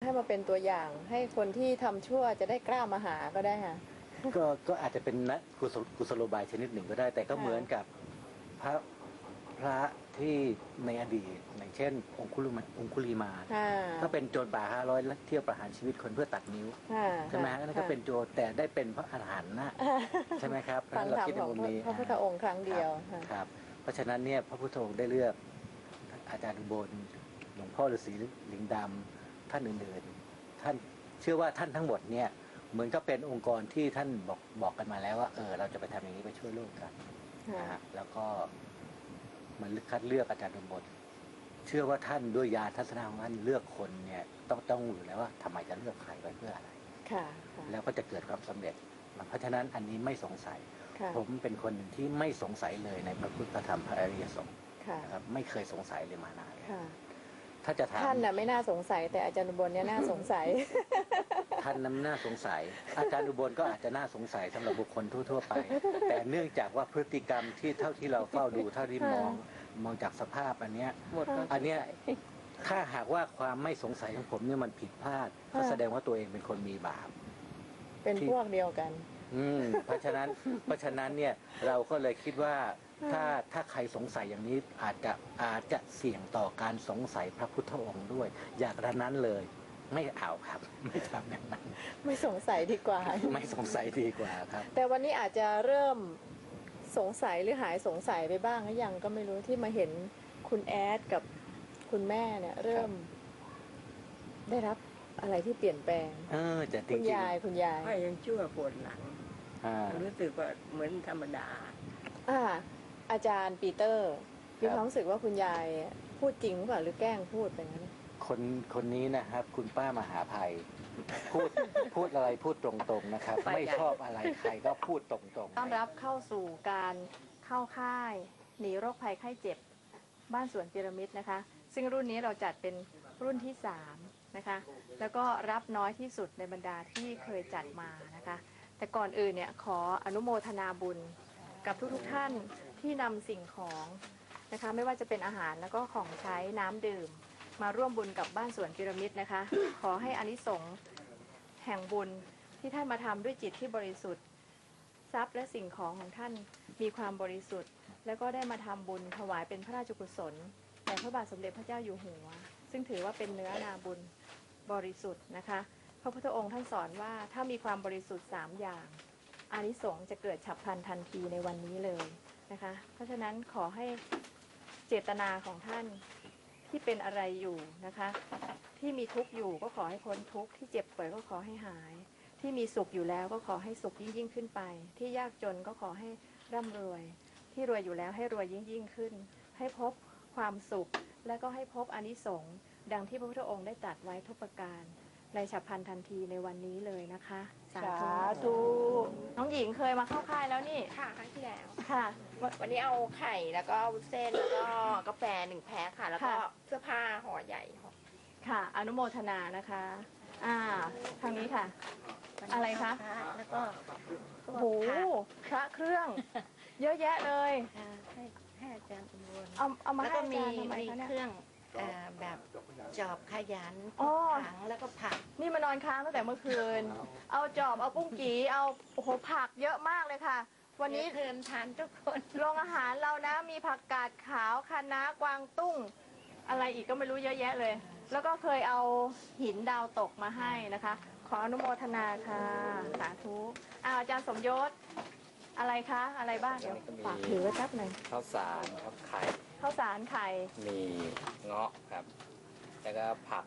ให้มาเป็นตัวอย่างให้คนที่ทำชั่วจะได้กล้ามาหาก็ได้ค่ะก็อาจจะเป็นนะกุศโลบายชนิดหนึ่งก็ได้ แต่ก็เหมือนกับพระที่ในอดีตอย่างเช่นองคุลิมาก็เป็นโจรป่า500เที่ยวประหารชีวิตคนเพื่อตัดนิ้วใช่ไหมนั่นก็เป็นโจรแต่ได้เป็นพระอรหันต์นะใช่ไหมครับเราคิดในมุมนี้พระพุทธองค์ครั้งเดียวครับเพราะฉะนั้นเนี่ยพระพุทธองค์ได้เลือกอาจารย์อุบลหลวงพ่อฤาษีลิงดำท่านอื่นๆท่านเชื่อว่าท่านทั้งหมดเนี่ยเหมือนก็เป็นองค์กรที่ท่านบอกกันมาแล้วว่าเราจะไปทำอย่างนี้ไปช่วยโลกกันนะฮะแล้วก็มันคัดเลือกอาจารย์อุบลเชื่อว่าท่านด้วยญาณทัศนะของท่านเลือกคนเนี่ยต้องอยู่แล้วว่าทำไมจะเลือกใครไปเพื่ออะไรแล้วก็จะเกิดความสำเร็จเพราะฉะนั้นอันนี้ไม่สงสัยผมเป็นคนหนึ่งที่ไม่สงสัยเลยในพระพุทธธรรมพระอริยสงฆ์นะครับไม่เคยสงสัยเลยมานานถ้าจะถามท่านน่ะไม่น่าสงสัยแต่อาจารย์อุบลเนี่ยน่าสงสัยท่านนั้นน่าสงสัยอาจารย์อุบลก็อาจจะน่าสงสัยสำหรับบุคคลทั่วๆไปแต่เนื่องจากว่าพฤติกรรมที่เท่าที่เราเฝ้าดูเท่าที่มองจากสภาพอันเนี้ยถ้าหากว่าความไม่สงสัยของผมเนี่ยมันผิดพลาดก็แสดงว่าตัวเองเป็นคนมีบาปเป็นพวกเดียวกันเพราะฉะนั้นเนี่ยเราก็เลยคิดว่าถ้าใครสงสัยอย่างนี้อาจจะเสี่ยงต่อการสงสัยพระพุทธองค์ด้วยอย่างนั้นเลยไม่เอาครับไม่ทำอย่างนั้นไม่สงสัยดีกว่าไม่สงสัยดีกว่าครับแต่วันนี้อาจจะเริ่มสงสัยหรือหายสงสัยไปบ้างหรือยังก็ไม่รู้ที่มาเห็นคุณแอดกับคุณแม่เนี่ยเริ่มได้รับอะไรที่เปลี่ยนแปลงจะคุณยายก็ยังชั่วปวดหลังรู้สึกว่าเหมือนธรรมดาอาจารย์ปีเตอร์มีความรู้สึกว่าคุณยายพูดจริงหรือเปล่าหรือแกล้งพูดไปงั้นคนนี้นะครับคุณป้ามหาภัยพูดอะไรพูดตรงๆนะครับไม่ชอบอะไรใครก็พูดตรงๆต้อนรับเข้าสู่การเข้าค่ายหนีโรคภัยไข้เจ็บบ้านสวนพีระมิดนะคะซึ่งรุ่นนี้เราจัดเป็นรุ่นที่3นะคะแล้วก็รับน้อยที่สุดในบรรดาที่เคยจัดมานะคะแต่ก่อนอื่นเนี่ยขออนุโมทนาบุญกับทุกท่านที่นำสิ่งของนะคะไม่ว่าจะเป็นอาหารแล้วก็ของใช้น้ำดื่มมาร่วมบุญกับบ้านสวนพีระมิดนะคะขอให้อานิสงส์แห่งบุญที่ท่านมาทำด้วยจิตที่บริสุทธิ์ทรัพย์และสิ่งของของท่านมีความบริสุทธิ์แล้วก็ได้มาทำบุญถวายเป็นพระราชกุศลแด่พระบาทสมเด็จพระเจ้าอยู่หัวซึ่งถือว่าเป็นเนื้อนาบุญบริสุทธิ์นะคะพระพุทธองค์ท่านสอนว่าถ้ามีความบริสุทธิ์3อย่างอานิสงส์จะเกิดฉับพลันทันทีในวันนี้เลยนะคะเพราะฉะนั้นขอให้เจตนาของท่านที่เป็นอะไรอยู่นะคะที่มีทุกข์อยู่ก็ขอให้พ้นทุกข์ที่เจ็บป่วยก็ขอให้หายที่มีสุขอยู่แล้วก็ขอให้สุขยิ่งขึ้นไปที่ยากจนก็ขอให้ร่ำรวยที่รวยอยู่แล้วให้รวยยิ่งขึ้นให้พบความสุขและก็ให้พบอานิสงส์ดังที่พระพุทธองค์ได้ตรัสไว้ทุกประการในฉับพลันทันทีในวันนี้เลยนะคะสาธุน้องหญิงเคยมาเข้าค่ายแล้วนี่ค่ะครั้งที่แล้วค่ะวันนี้เอาไข่แล้วก็เส้นแล้วก็กาแฟ1 แพ็คค่ะแล้วก็เสื้อผ้าห่อใหญ่ค่ะอนุโมทนานะคะทางนี้ค่ะอะไรคะแล้วก็โอ้โหพระเครื่องเยอะแยะเลยให้อาจารย์อุบลเอามาให้อาจารย์ทำไมคะเนี่ยเครื่องแบบจอบขยันถังแล้วก็ผักนี่มานอนค้างตั้งแต่เมื่อคืนเอาจอบเอาปุ้งกีเอาโอ้โหผักเยอะมากเลยค่ะวันนี้เชิญทานทุกคนโรงอาหารเรานะมีผักกาดขาวคะน้ากวางตุ้งอะไรอีกก็ไม่รู้เยอะแยะเลยแล้วก็เคยเอาหินดาวตกมาให้นะคะขออนุโมทนาค่ะสาธุอาจารย์สมยศอะไรคะอะไรบ้างเดี๋ยวฝากถือไว้แป๊บหนึ่งข้าวสารครับไข่ข้าวสารไข่มีเงาะครับแล้วก็ผัก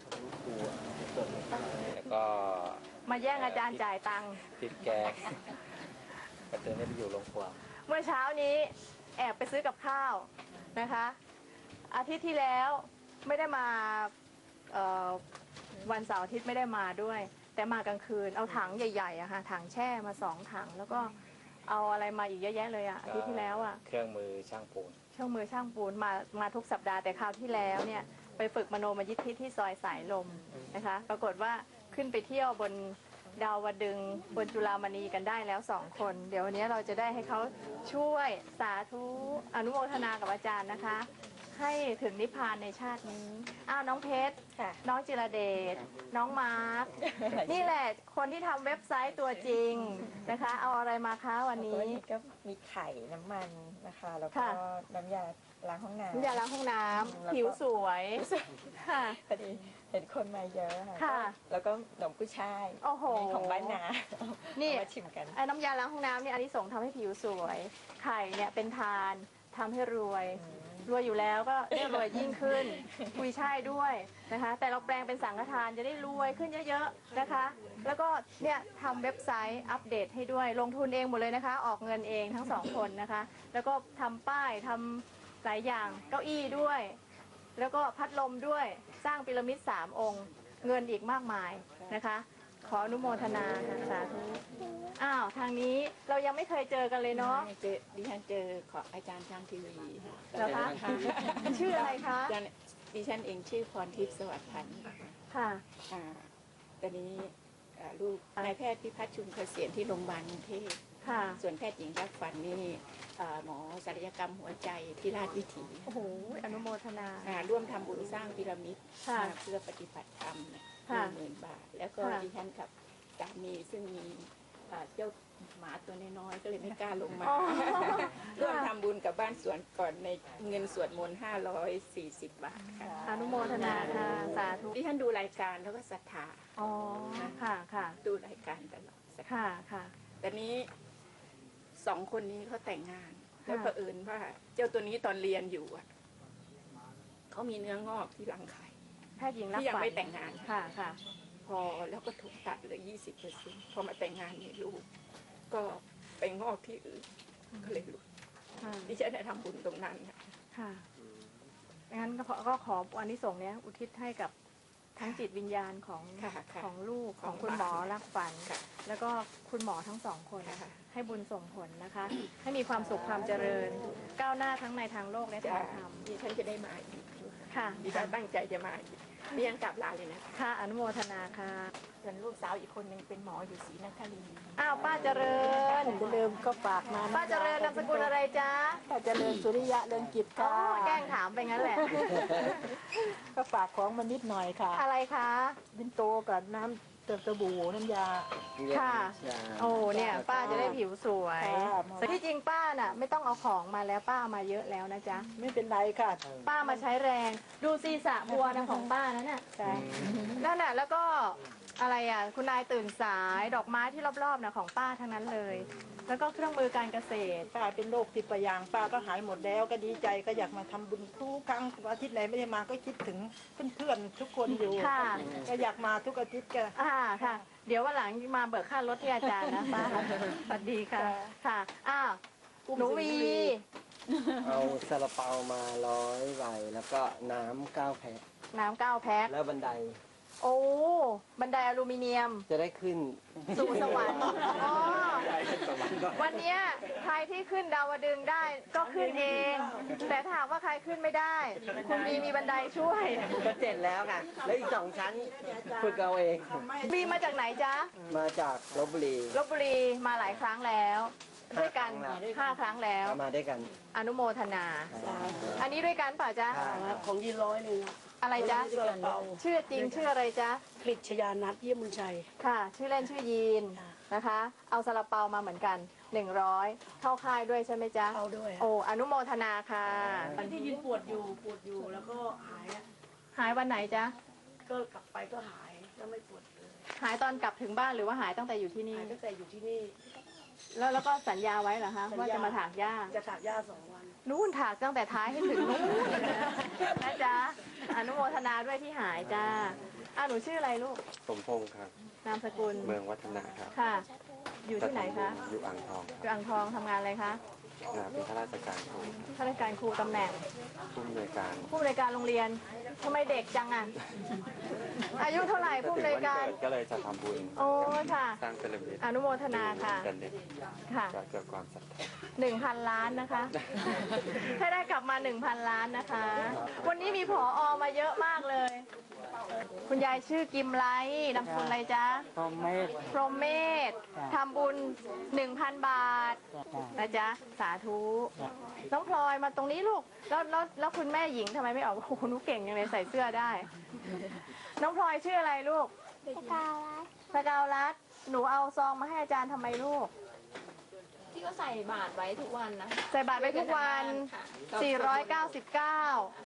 แล้วก็มาแย่งอาจารย์จ่ายตังค์พริกแกงกระเตือนได้ไปอยู่โรงครัวเมื่อเช้านี้แอบไปซื้อกับข้าวนะคะอาทิตย์ที่แล้วไม่ได้มาวันเสาร์อาทิตย์ไม่ได้มาด้วยแต่มากลางคืนเอาถังใหญ่ๆอะค่ะถังแช่มา2 ถังแล้วก็เอาอะไรมาอีกเยอะแยะเลยอะอาทิตย์ที่แล้วอะเครื่องมือช่างปูนมาทุกสัปดาห์แต่คราวที่แล้วเนี่ยไปฝึกมโนมยิทธิที่ซอยสายลมนะคะปรากฏว่าขึ้นไปเที่ยวบนดาวดึงบนจุฬามณีกันได้แล้ว2 คนเดี๋ยววันนี้เราจะได้ให้เขาช่วยสาธุอนุโมทนากับอาจารย์นะคะคให้ถึงนิพพานในชาตินี้อ้าวน้องเพชรค่ะน้องจิรเดชน้องมาร์คนี่แหละคนที่ทำเว็บไซต์ตัวจริงนะคะ เอาอะไรมาคะวันนี้ก็มีไข่น้ำมันนะคะ แล้วก็ค่ะน้ำยาล้างห้องน้ำน้ำยาล้างห้องน้แล้วก็ำผิวสวยค่ะพอดีเห็นคนมาเยอะค่ะค่ะแล้วก็ขนมกุ้ยช่ายโอ้โหของบ้านนานี่เอามาชิมกันไอ้น้ำยาล้างห้องน้ำเนี่ยอันนี้ส่งส์ทำให้ผิวสวย ไข่เนี่ยเป็นทานทำให้รวย รวยอยู่แล้วก็ได้รวยยิ่งขึ้นกุยช่ายด้วยนะคะ แต่เราแปลงเป็นสังฆทานจะได้รวยขึ้นเยอะๆนะคะ แล้วก็เนี่ยทำเว็บไซต์อัปเดตให้ด้วยลงทุนเองหมดเลยนะคะ ออกเงินเองทั้งสองคนนะคะ แล้วก็ทำป้ายทำหลายอย่างเก้าอี้ด้วย แล้วก็พัดลมด้วยสร้างพีระมิด3 องค์ เงินอีกมากมายนะคะ ขออนุโมทนาค่ะสาธุอ้าวทางนี้เรายังไม่เคยเจอกันเลยเนาะดิฉันเจอของอาจารย์ทางทีวีเหรอคะชื่ออะไรคะอาจารย์ดิฉันเองชื่อพรทิพย์สวัสดิ์พันธ์ค่ะตอนนี้ลูกนายแพทย์พิพัฒน์ชุมเกษียณที่โรงพยาบาลกรุงเทพค่ะส่วนแพทย์หญิงรักฝันนี่หมอศัลยกรรมหัวใจที่ราชวิถีโอ้โหอนุโมทนาร่วมทำบุญสร้างพีระมิดค่ะเพื่อปฏิบัติธรรมเนี่ยค่ะ 10,000 บาท แล้วก็ค่ะดิฉันกับสามีซึ่งมีเจ้าหมาตัวน้อยๆก็เลยไม่กล้าลงมาอ๋อร่วมทำบุญกับบ้านสวนก่อนในเงินสวดมนต์540 บาทค่ะอนุโมทนาค่ะสาธุดิฉันดูรายการแล้วก็ศรัทธาอ๋อค่ะค่ะดูรายการตลอดศรัทธาค่ะค่ะแต่นี้2 คนนี้เขาแต่งงานค่ะแล้วเผอิญว่าเจ้าตัวนี้ตอนเรียนอยู่อะเขามีเนื้องอกที่รังไข่แพทย์หญิงรักที่ยังฝันไม่แต่งงานค่ะค่ะพอแล้วก็ถูกตัดเหลือ20%พอมาแต่งงานมีลูก ก็ไปงอกที่อื่นก็เลยหลุดค่ะดิฉันได้ทำบุญตรงนั้นค่ะค่ะงั้นก็ขออานิสงส์เนี้ยอุทิศให้กับทั้งจิตวิญญาณของค่ะค่ะของลูกขขออง งคุณหมอรักฝันค่ะแล้วก็คุณหมอทั้ง2 คนค่ะให้บุญส่งผลนะคะ ให้มีความสุขความเจริญ ก้าวหน้าทั้งในทางโลกและจะทางธรรมดิฉันจะได้มาอีกค่ะดิฉันตั้งใจจะมาอีกดิฉันกลับลาเลยนะคะค่ะอนุโมทนาค่ะส่วนลูกสาวอีกคนหนึ่งเป็นหมออยู่ศรีนครินทร์อ้าวป้าเจริญจะเริ่มก็ฝากมาป้าเจริญนามสกุลอะไรจ๊ะป้าเจริญสุริยะเรืองกิจอ๋อค่ะแกล้งถามไปงั้นแหละก็ฝากของมานิดหน่อยค่ะอะไรคะบินโตกับน้ำสบู่น้ำยาค่ะ โอ้เนี่ยป้าจะได้ผิวสวยค่ะแต่ที่จริงป้าน่ะไม่ต้องเอาของมาแล้วป้าเอามาเยอะแล้วนะจ๊ะไม่เป็นไรค่ะป้ามาใช้แรง ดูซีสระบัวนะของป้านั่นน่ะค่ะนั่นน่ะแล้วก็อะไรอ่ะคุณนายตื่นสายดอกไม้ที่รอบๆน่ะของป้าทั้งนั้นเลย แล้วก็เครื่องมือการเกษตรป้าเป็นโรคติดประยางป้าก็หายหมดแล้วก็ดีใจก็อยากมาทำบุญทุกครั้งอาทิตย์ไหนไม่ได้มาก็คิดถึงเพื่อนๆทุกคนอยู่ค่ะก็อยากมาทุกอาทิตย์ก็ค่ะ เดี๋ยววันหลังมาเบิกค่ารถที่อาจารย์นะป้าสวัสดีค่ะค่ะอ้าวหนูวีเอาซาลาเปามา100 ใบแล้วก็น้ำ9 แพ็คน้ำ9 แพ็คแล้วบันไดโอ้บันไดอลูมิเนียมจะได้ขึ้นสู่สวรรค์อ๋อวันเนี้ยใครที่ขึ้นดาวดึงส์ได้ก็ขึ้นเอง แต่ถ้าหากว่าใครขึ้นไม่ได้ คุณมีบันไดช่วยก็เสร็จแล้วค่ะ แล้วอีก2 ชั้นฝึกเอาเองบีมาจากไหนจ๊ะมาจากลบบุรีลบบุรีมาหลายครั้งแล้วด้วยกัน 5 ครั้งแล้ว 5 ครั้งแล้วมาด้วยกันอนุโมทนา อันนี้ด้วยกันเปล่าจ๊ะของยี100นึงอะไรจ๊ะชื่อจริงชื่ออะไรจ๊ะกฤษยานัทเยี่ยมบุญชัยค่ะ ชื่อเล่นชื่อยีนนะคะ เอาซาลาเปามาเหมือนกัน 100 เข้าค่ายด้วยใช่ไหมจ๊ะเข้าด้วยโอ้อนุโมทนาค่ะที่ยืนปวดอยู่แล้วก็หายหายวันไหนจ๊ะก็กลับไปก็หายแล้วไม่ปวดเลยหายตอนกลับถึงบ้านหรือว่าหายตั้งแต่อยู่ที่นี่หายตั้งแต่อยู่ที่นี่แล้วก็สัญญาไว้เหรอคะสัญญาว่าจะมาถากหญ้าจะถากหญ้า2 วันนู่นถากตั้งแต่ท้ายให้ถึงนู่นนะจ๊ะ อนุโมทนาด้วยที่หายจ้าหนูชื่ออะไรลูกสมพงศ์ครับนามสกุลเมืองวัฒนะครับค่ะ อยู่ที่ไหนคะอยู่อ่างทองอยู่อ่างทองทำงานอะไรคะเป็นข้าราชการครูข้าราชการครูตำแหน่งผู้อำนวยการผู้อำนวยการโรงเรียนทำไมเด็กจังอ่ะ อายุเท่าไหร่ผู้อำนวยการถึงวันเกิดก็เลยจะทำบุญโอ้ค่ะสร้างพีระมิดอนุโมทนาค่ะกันเด็กค่ะก็เกิดความศรัทธา 1,000 ล้านนะคะ ให้ได้กลับมา 1,000 ล้านนะคะ วันนี้มีผอมาเยอะมากเลยคุณยายชื่อกิมไลท์นามสกุลอะไรจ๊ะพรหมเมธพรหมเมธทำบุญ 1,000 บาทนะจ๊ะสาธุน้องพลอยมาตรงนี้ลูกแล้วคุณแม่หญิงทำไมไม่ออกโอ้โหหนูเก่งยังเลยใส่เสื้อได้ น้องพลอยชื่ออะไรลูกสกาวรัตน์หนูเอาซองมาให้อาจารย์ทำไมลูกที่ก็ใส่บาตรไว้ทุกวันนะคะใส่บาตรไปทุกวันค่ะ 499